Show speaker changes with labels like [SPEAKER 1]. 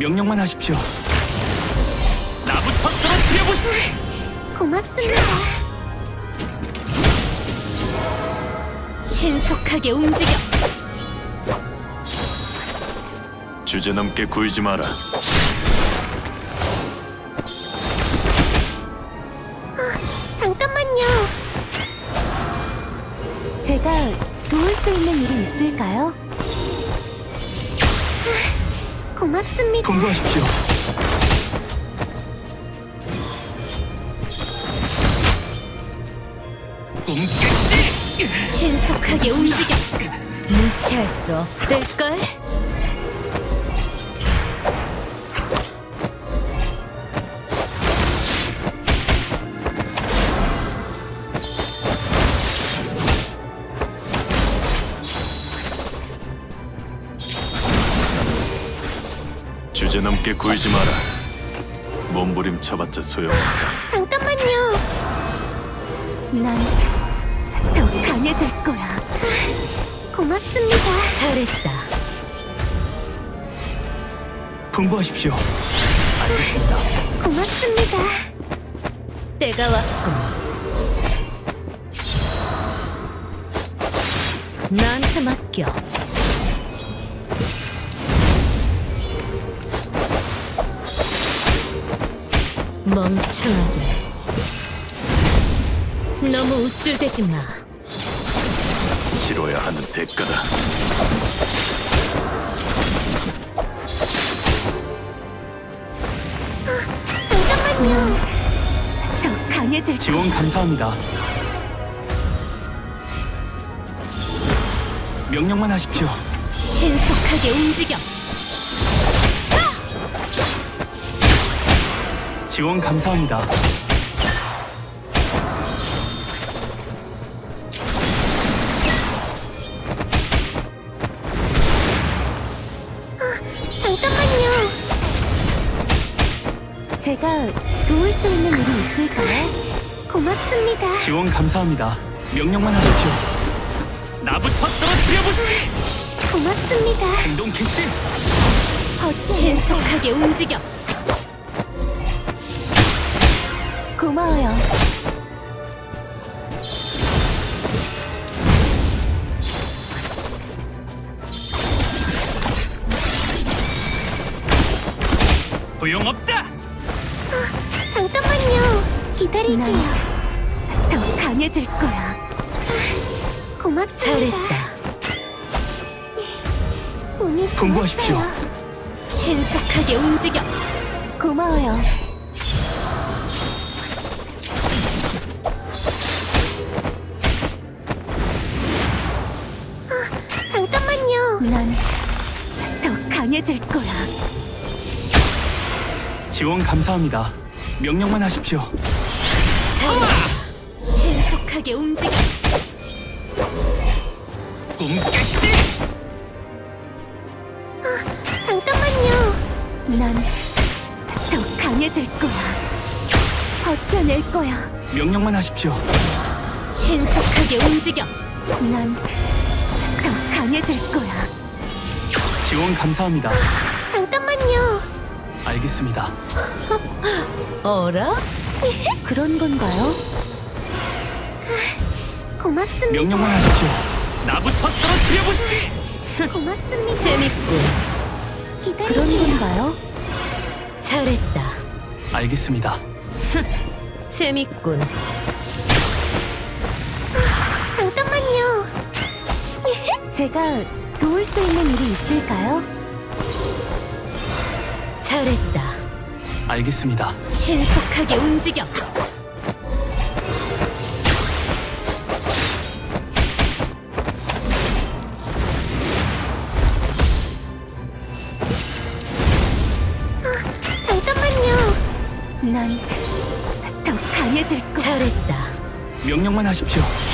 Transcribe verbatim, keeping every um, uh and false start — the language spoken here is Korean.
[SPEAKER 1] 명령만 하십시오. 나부터 떨어뜨려보시지.
[SPEAKER 2] 고맙습니다. 신속하게 움직여.
[SPEAKER 3] 주제넘게 굴지 마라.
[SPEAKER 2] 잠깐만요. 제가 도울 수 있는 일이 있을까요? 아, 고맙습니다.
[SPEAKER 1] 분부하십시오. 꿈깨시.
[SPEAKER 2] 신속하게 움직여. 무시할 수 없을걸?
[SPEAKER 3] 주제넘게 굴지 마라. 몸부림쳐봤자 소용없다.
[SPEAKER 2] 잠깐만요. 난 더 강해질 거야. 고맙습니다. 잘했다.
[SPEAKER 1] 분부하십시오. 알겠습니다.
[SPEAKER 2] 고맙습니다. 때가 왔군. 나한테 맡겨. 멍청하게. 너무 우쭐대지 마.
[SPEAKER 3] 치러야 하는 대가다.
[SPEAKER 2] 잠깐만요. 더 강해질 거.
[SPEAKER 1] 지원 감사합니다. 명령만 하십시오.
[SPEAKER 2] 신속하게 움직여.
[SPEAKER 1] 지원 감사합니다.
[SPEAKER 2] 잠깐만요. 제가 도울 수 있는 일이 있을까요? 고맙습니다.
[SPEAKER 1] 지원 감사합니다. 명령만 하십시오. 나부터 떨어뜨려보시지.
[SPEAKER 2] 고맙습니다.
[SPEAKER 1] 행동 캐시.
[SPEAKER 2] 신속하게 움직여. 고마워요.
[SPEAKER 1] 소용없다.
[SPEAKER 2] 잠깐만요. 기다릴게요. 더 강해질 거야. 고맙습니다. 잘했다. 운이
[SPEAKER 1] 분부하십시오.
[SPEAKER 2] 좋았어요. 신속하게 움직여. 고마워요. 아, 잠깐만요. 난 더 강해질 거야.
[SPEAKER 1] 지원 감사합니다. 명령만 하십시오.
[SPEAKER 2] 잘 신속하게 움직여.
[SPEAKER 1] 꿈깨시.
[SPEAKER 2] 잠깐만요. 난 더 강해질 거야. 버텨낼 거야.
[SPEAKER 1] 명령만 하십시오.
[SPEAKER 2] 신속하게 움직여. 난 더 강해질 거야.
[SPEAKER 1] 지원 감사합니다.
[SPEAKER 2] 잠깐만요.
[SPEAKER 1] 알겠습니다.
[SPEAKER 2] 어라? 그런 건가요? 고맙습니다.
[SPEAKER 1] 명령만 하십시오. 나부터 떨어뜨려보시지.
[SPEAKER 2] 고맙습니다. 재밌군. 기다릴게요. 그런 건가요? 잘했다.
[SPEAKER 1] 알겠습니다.
[SPEAKER 2] 재밌군. 잠깐만요. 제가 도울 수 있는 일이 있을까요? 잘했다.
[SPEAKER 1] 알겠습니다.
[SPEAKER 2] 신속하게 움직여. 아, 잠깐만요. 난 더 강해질 거야. 잘했다.
[SPEAKER 1] 명령만 하십시오.